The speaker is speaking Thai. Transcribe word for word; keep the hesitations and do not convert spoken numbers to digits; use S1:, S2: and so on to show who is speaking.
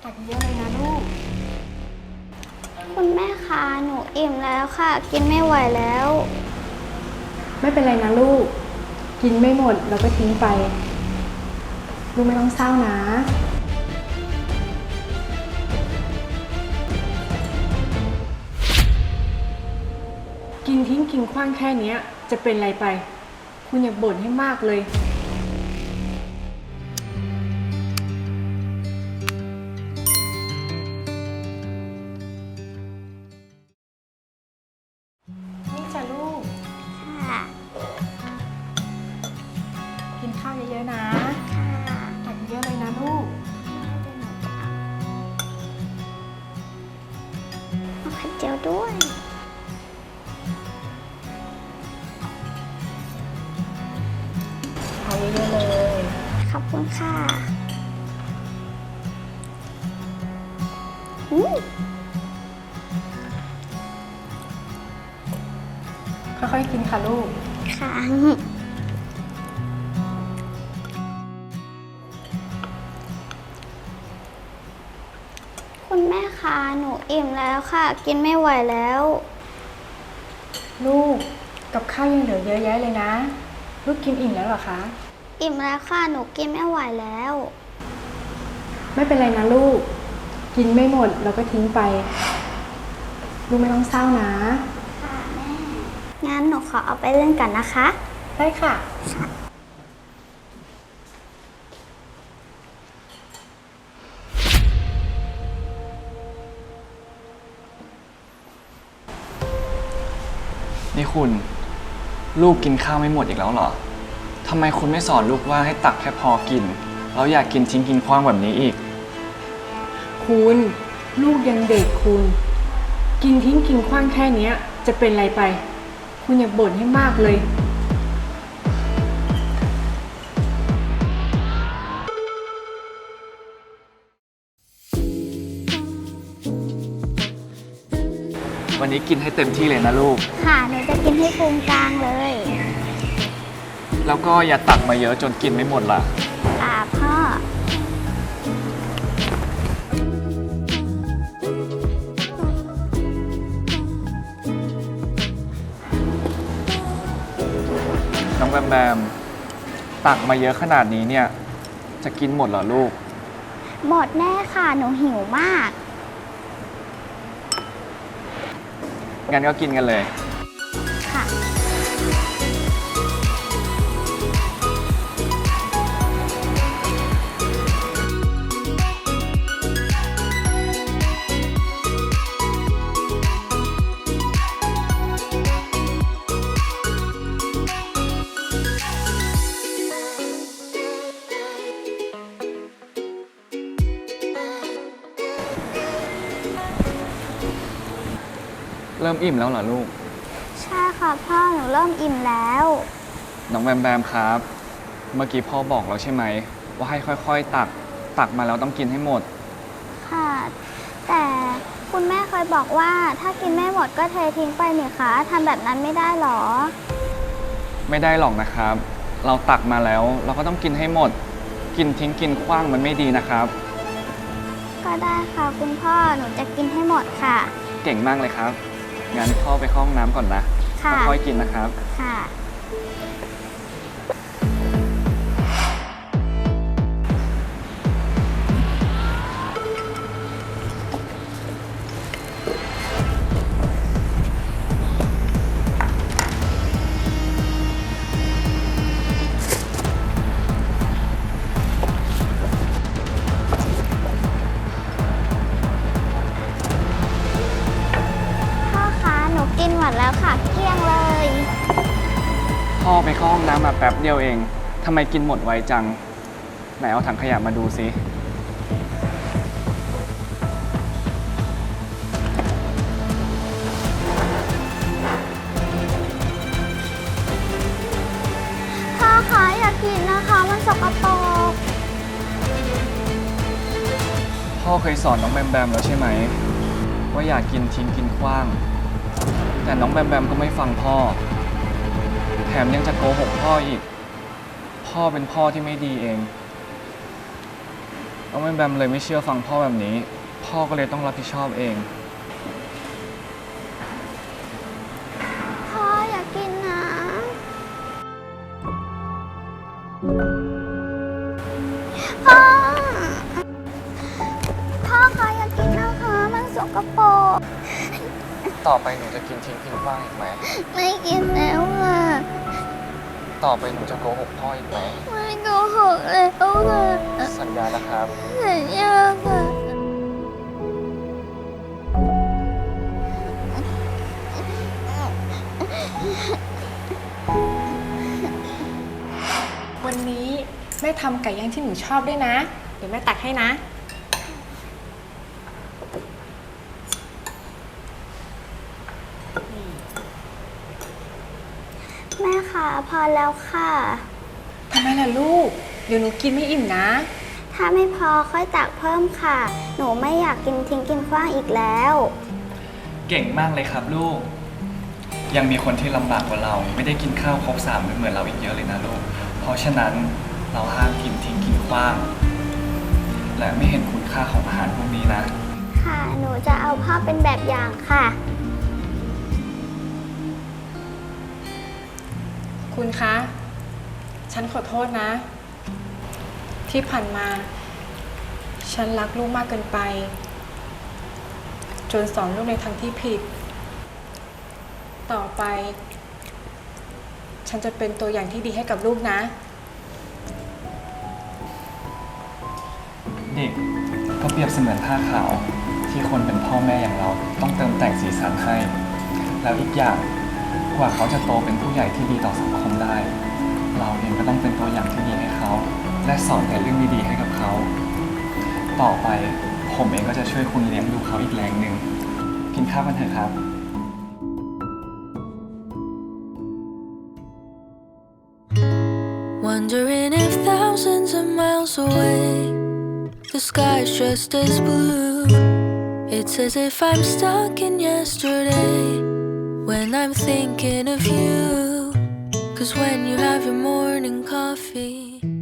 S1: ตักเยอะเลยนะลูก
S2: คุณแม่คะหนูอิ่มแล้วค่ะ กินไม่ไหวแล้ว
S1: ไม่เป็นไรนะลูกกินไม่หมดเราก็ทิ้งไปลูกไม่ต้องเศร้านะกินทิ้งกินขว้างแค่นี้จะเป็นไรไปคุณอย่าบ่นให้มากเลยนี่จ้ะลูก
S2: ค่ะ
S1: กินข้าวเยอะๆนะ
S2: ค่ะ
S1: ตักเยอะเลยนะลูก
S2: เอาไข่เจียวด้วย
S1: เอาเยอะๆเลย
S2: ขอบคุณค่ะอืม
S1: ค่อยๆกินค่ะลูก
S2: ค่ะ คุณแม่คะหนูอิ่มแล้วค่ะ กินไม่ไหวแล้ว
S1: ลูกกับข้าวยังเหลือเยอะแยะเลยนะ ลูกกินอิ่มแล้วเหรอคะ
S2: อิ่มแล้วค่ะ หนูกินไม่ไหวแล้ว
S1: ไม่เป็นไรนะลูก กินไม่หมดเราก็ทิ้งไป ลูกไม่ต้องเศร้านะ
S2: ค่ะแม่ งั้นหนูขอเอาไปเล่นกันนะคะ
S1: ได้ค่ะ
S3: นี่คุณลูกกินข้าวไม่หมดอีกแล้วเหรอทำไมคุณไม่สอนลูกว่าให้ตักแค่พอกินแล้วอยากกินทิ้งกินขว้างแบบนี้อีก
S1: คุณลูกยังเด็กคุณ กินทิ้งกินขว้างแค่นี้จะเป็นไรไป คุณอย่าบ่นให้มากเลย
S3: วันนี้กินให้เต็มที่เลยนะลูก
S2: ค่ะ หนูจะกินให้พุงกลางเลย
S3: แล้วก็อย่าตักมาเยอะจนกินไม่หมดล่ะ
S2: ค่ะพ่อ
S3: น้องแบมแบมตักมาเยอะขนาดนี้เนี่ยจะกินหมดเหรอลูก
S2: หมดแน่ค่ะ หนูหิวมาก
S3: งั้นก็กินกันเลย
S2: ค่ะ
S3: เริ่มอิ่มแล้วเหรอลูก
S2: ใช่ค่ะพ่อ หนูเริ่มอิ่มแล้ว
S3: น้องแบมแบมครับ เมื่อกี้พ่อบอกแล้วใช่ไหมว่าให้ค่อยๆตักตักมาแล้วต้องกินให้หมด
S2: ค่ะ แต่คุณแม่เคยบอกว่าถ้ากินไม่หมดก็เททิ้งไปนี่คะทำแบบนั้นไม่ได้หรอ
S3: ไม่ได้หรอกนะครับ เราตักมาแล้วเราก็ต้องกินให้หมด กินทิ้งกินขว้างมันไม่ดีนะครับ
S2: ก็ได้ค่ะคุณพ่อ หนูจะกินให้หมดค่ะ
S3: เก่งมากเลยครับ งั้นพ่อไปเข้าห้องน้ำก่อนนะ
S2: ค่ะ
S3: ค่อยๆกินนะครับ
S2: ค่ะ พ่อคะ หนูกินหมดแล้วค่ะเกลี้ยงเลย
S3: พ่อไปเข้าห้องน้ำมาแป๊บเดียวเองทำไมกินหมดไวจัง ไหนเอาถังขยะมาดูสิ
S2: พ่อคะอย่ากินนะคะ มันสกปรก
S3: พ่อเคยสอนน้องแบมแบมแล้วใช่ไหม ว่าอยากกินทิ้งกินขว้าง แต่น้องแบมแบมก็ไม่ฟังพ่อ แถมยังจะโกหกพ่ออีก พ่อเป็นพ่อที่ไม่ดีเองน้องแบมแบมเลยไม่เชื่อฟังพ่อแบบนี้ พ่อก็เลยต้องรับผิดชอบเอง
S2: พ่ออยากกินนะพ่อ พ่อคะอยากกินนะคะ มันสกปรก
S3: ต่อไปหนูจะกินทิ้งกินขว้างอีกไหม
S2: ไม่กินแล้วค่ะ
S3: ต่อไปหนูจะโกหกพ่ออีกไหม
S2: ไม่โกหกแล้วค่ะ
S3: สัญญานะครับ
S2: สัญญาค่ะ
S1: วันนี้แม่ทำไก่ย่างที่หนูชอบด้วยนะ เดี๋ยวแม่ตักให้นะ
S2: แม่คะพอแล้วค่ะ
S1: ทำไมล่ะลูก เดี๋ยวหนูกินไม่อิ่มนะ
S2: ถ้าไม่พอค่อยตักเพิ่มค่ะ หนูไม่อยากกินทิ้งกินขว้างอีกแล้ว
S3: เก่งมากเลยครับลูก ยังมีคนที่ลำบากกว่าเรา ไม่ได้กินข้าวครบสามมื้อเหมือนเราอีกเยอะเลยนะลูก เพราะฉะนั้นเราห้ามกินทิ้งกินขว้าง และไม่เห็นคุณค่าของอาหารพวกนี้นะ
S2: ค่ะ หนูจะเอาพ่อเป็นแบบอย่างค่ะ
S1: คุณคะ ฉันขอโทษนะ ที่ผ่านมา ฉันรักลูกมากเกินไป จนสอนลูกในทางที่ผิด ต่อไป ฉันจะเป็นตัวอย่างที่ดีให้กับลูกนะ
S3: เด็กก็เปรียบเสมือนผ้าขาวที่คนเป็นพ่อแม่อย่างเราต้องเติมแต่งสีสันให้ แล้วอีกอย่างกว่าเขาจะโตเป็นผู้ใหญ่ที่ดีต่อสังคมได้ เราเองก็ต้องเป็นตัวอย่างที่ดีให้เขา และสอนแต่เรื่องดีๆให้กับเขา ต่อไปผมเองก็จะช่วยคุณเลี้ยงดูเขาอีกแรงหนึ่งกินข้าวกันเถอะครับ
S4: Wondering if thousands of miles away the sky's just as blue. It's as if I'm stuck in yesterday when I'm thinking of you. 'Cause when you have your morning coffee